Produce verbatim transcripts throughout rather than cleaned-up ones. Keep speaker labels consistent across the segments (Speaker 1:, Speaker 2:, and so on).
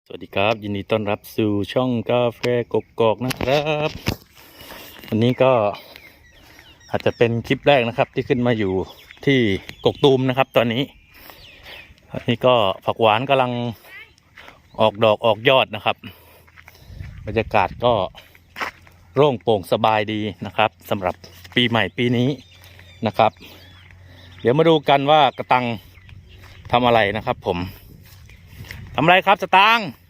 Speaker 1: สวัสดีครับยินดีต้อนรับสู่ช่องกาแฟกกอกนะครับวันนี้ก็อาจจะเป็นคลิปแรกนะครับที่ขึ้นมาอยู่ที่กกตูมนะครับ ตอนนี้อันนี้ก็ผักหวานกำลังออกดอกออกยอดนะครับบรรยากาศก็โล่งโปร่งสบายดีนะครับสำหรับปีใหม่ปีนี้นะครับเดี๋ยวมาดูกันว่ากระตังทำอะไรนะครับผมทำอะไรครับสตางค์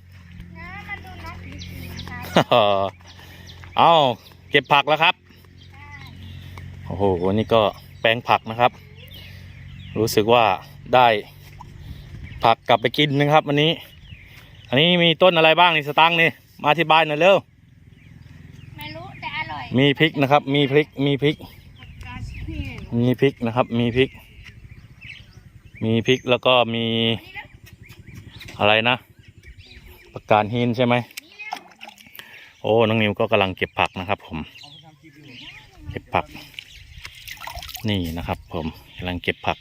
Speaker 1: เอาเก็บผักแล้วครับโอ้โหนี่ก็แปลงผักนะครับรู้สึกว่าได้ผักกลับไปกินนะครับวันนี้อันนี้มีต้นอะไรบ้างนี่สตางค์นี่มาอธิบายหน่อยเร็ว
Speaker 2: ไม่รู้แต่อร่อย
Speaker 1: มีพริกนะครับมีพริกมีพริกมีพริกนะครับมีพริกมีพริกแล้วก็มีอะไรนะผักกาดหินใช่ไหมโอ้น้องนิวก็กำลังเก็บผักนะครับผมเก็บผักนี่นะครับผมกำลังเก็บผัก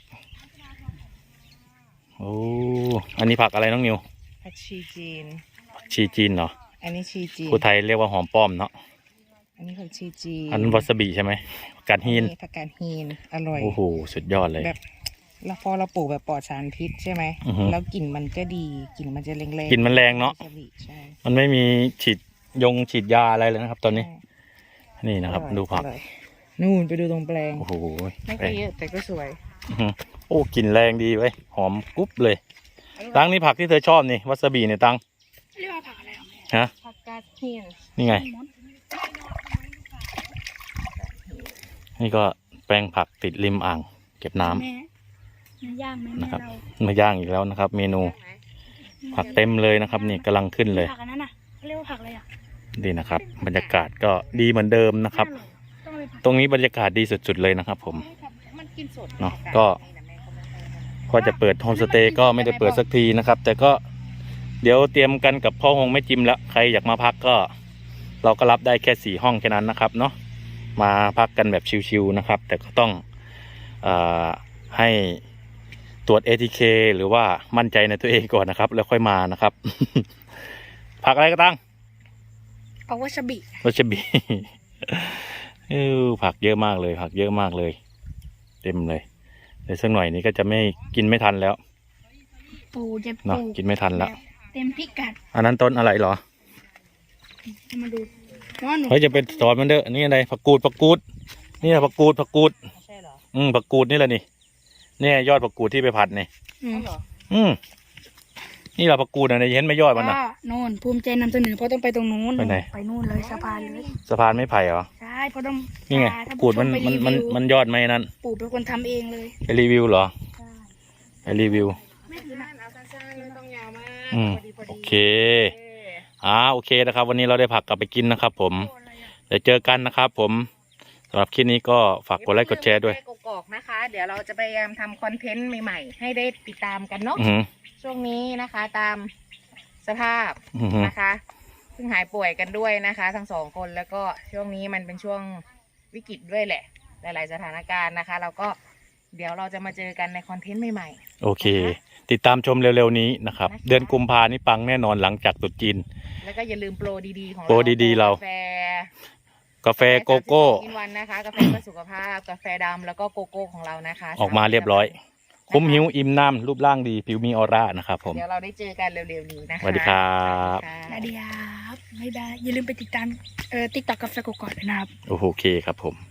Speaker 1: โอ้อันนี้ผักอะไรน้องนิว
Speaker 3: ผักชีจีน
Speaker 1: ชีจีนเหรอ
Speaker 3: อันนี้ชีจีน
Speaker 1: ผู้ไทยเรียกว่าหอมป้อมเนาะ
Speaker 3: อันนี้ผักชีจีน
Speaker 1: อันนั้นวาซาบิใช่ไหมผักกาดหิน
Speaker 3: ผักกาดหินอร่อย
Speaker 1: โอ้โหสุดยอดเลย
Speaker 3: แบบเราพอเราปลูกแบบปลอดสารพิษใช่ไหมแล้วกลิ่นมันก็ดีกลิ่นมันจะแรงๆ
Speaker 1: กลิ่นมันแรงเนาะ
Speaker 3: ใช่
Speaker 1: มันไม่มีฉีดยงฉีดยาอะไรเลยนะครับตอนนี้นี่นะครับดูผัก
Speaker 3: นู่นไปดูตรงแปลง
Speaker 1: โอ้โห
Speaker 3: ไม่ค่อยเยอะแต่ก็สวย
Speaker 1: โอ้กลิ่นแรงดีไว้หอมกรุ๊บเลยตังนี่ผักที่เธอชอบนี่วาซาบิเนี่ยตัง
Speaker 2: เรียกว่าผักอะไร
Speaker 1: ฮะ
Speaker 3: ผักกาดหิน
Speaker 1: นี่ไงนี่ก็แปลงผักติดริมอ่างเก็บน้ำ
Speaker 2: ย่าง
Speaker 1: นะครับมาย่างอีกแล้วนะครับเมนูผักเต็มเลยนะครับนี่กำลังขึ้นเลย
Speaker 2: ผักอันนั้นน่ะเรียกว่าผักอะไรอ่ะ
Speaker 1: ดีนะครับบรรยากาศก็ดีเหมือนเดิมนะครับตรงนี้บรรยากาศดีสุดๆเลยนะครับผมเนาะก็พอจะเปิดโฮมสเตย์ก็ไม่ได้เปิดสักทีนะครับแต่ก็เดี๋ยวเตรียมกันกับพ่อฮงแม่จิมแล้วใครอยากมาพักก็เราก็รับได้แค่สี่ห้องแค่นั้นนะครับเนาะมาพักกันแบบชิวๆนะครับแต่ก็ต้องอ่าให้ตรวจ เอ ที เค หรือว่ามั่นใจในตัวเองก่อนนะครับแล้วค่อยมานะครับ ผักอะไรก็ตั้ง
Speaker 2: ผักวาซาบิ
Speaker 1: วาซาบิเออผักเยอะมากเลยผักเยอะมากเลยเต็มเลยเดี๋ยวสักหน่อยนี้ก็จะไม่กินไม่ทันแล้ว
Speaker 2: ปูจะ
Speaker 1: เนาะกินไม่ทันแล้ว
Speaker 2: เต็มพิกัด
Speaker 1: อันนั้นต้นอะไรเหรอ
Speaker 2: มาดู
Speaker 1: เฮ้ยจะเป็นสอนมันเด้อนี่อะไรผักกูดผักกูดนี่ผักกูดผักกูด
Speaker 3: ใช่เหรอ
Speaker 1: อืมผักกูดนี่แหละนี่เนี่ยยอดผักกูดที่ไปผัดนี่อืมนี่เราผักกูดอะไรเห็นไหมยอดมันนะ
Speaker 2: โน่นภูมิใจนำเสนอเพราะต้องไปตรงนู้น
Speaker 1: ไปไหน
Speaker 2: ไปนู่นเลยสะพานเลย
Speaker 1: สะพานไม่ไผ่เหรอ
Speaker 2: ใช่เพราะต้อง
Speaker 1: นี่ไงผักกูดมันมันมันมันยอดไหมนั่น
Speaker 2: ปู่เป็นคนทำเองเลย
Speaker 1: ไปรีวิวเหรอไปรีวิว
Speaker 3: ไม่ถือนะเอาสั้นๆไม่ต้องยาวมาก
Speaker 1: อืมโอเคอ่าโอเคนะครับวันนี้เราได้ผักกลับไปกินนะครับผมเดี๋ยวเจอกันนะครับผมสำหรับคลิปนี้ก็ฝากกดไลค์กดแชร์ด้วย
Speaker 3: กกอกนะคะเดี๋ยวเราจะพยายามทำคอนเทนต์ใหม่ๆให้ได้ติดตามกันเนาะช่วงนี้นะคะตามสภาพนะคะเพิ่งหายป่วยกันด้วยนะคะทั้งสองคนแล้วก็ช่วงนี้มันเป็นช่วงวิกฤตด้วยแหละหลายๆสถานการณ์นะคะเราก็เดี๋ยวเราจะมาเจอกันในคอนเทนต์ใหม่
Speaker 1: ๆโอเคติดตามชมเร็วๆนี้นะครับเดือนกุมภานี่ปังแน่นอนหลังจากตรุษจีน
Speaker 3: แล้วก็อย่าลืมโปรดีๆของเรา
Speaker 1: โปรดีๆเรากาแฟโกโก้
Speaker 3: กินวันนะคะกาแฟเพื่อสุขภาพกาแฟดำแล้วก็โกโก้ของเรานะคะ
Speaker 1: ออกมาเรียบร้อยคุ้มหิวอิ่มน้ำรูปร่างดีผิวมีออร่านะครับผม
Speaker 3: เดี๋ยวเราได้เจอกันเร็วๆนี้นะคะ
Speaker 1: สวัสดีครับ
Speaker 2: สวัสดีครับไม่ได้อย่าลืมไปติดตามเอ่อติ๊กต็อกกาแฟกกอกนะครับ
Speaker 1: โอเคครับผม